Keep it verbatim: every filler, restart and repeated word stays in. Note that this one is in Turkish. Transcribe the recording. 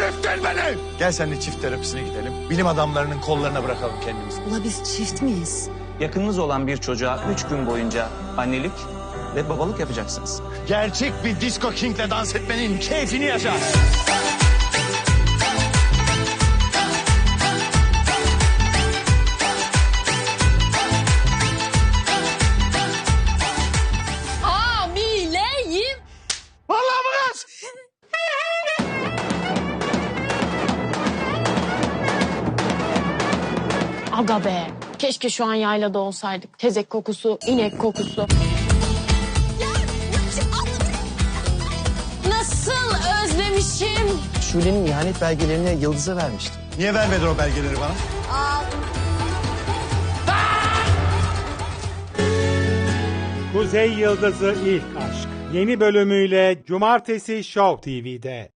delirttin beni. Gel seninle çift terapisine gidelim. Bilim adamlarının kollarına bırakalım kendimizi. Ula biz çift miyiz? Yakınınız olan bir çocuğa üç gün boyunca annelik ve babalık yapacaksınız. Gerçek bir disco king'le dans etmenin keyfini yaşa. Hamileyim. Vallahi mı kız? Aga be. Keşke şu an yaylada olsaydık. Tezek kokusu, inek kokusu. Nasıl özlemişim. Şule'nin ihanet belgelerini Yıldız'a vermiştim. Niye vermedin o belgeleri bana? Kuzey Yıldızı İlk Aşk. Yeni bölümüyle Cumartesi Show T V'de.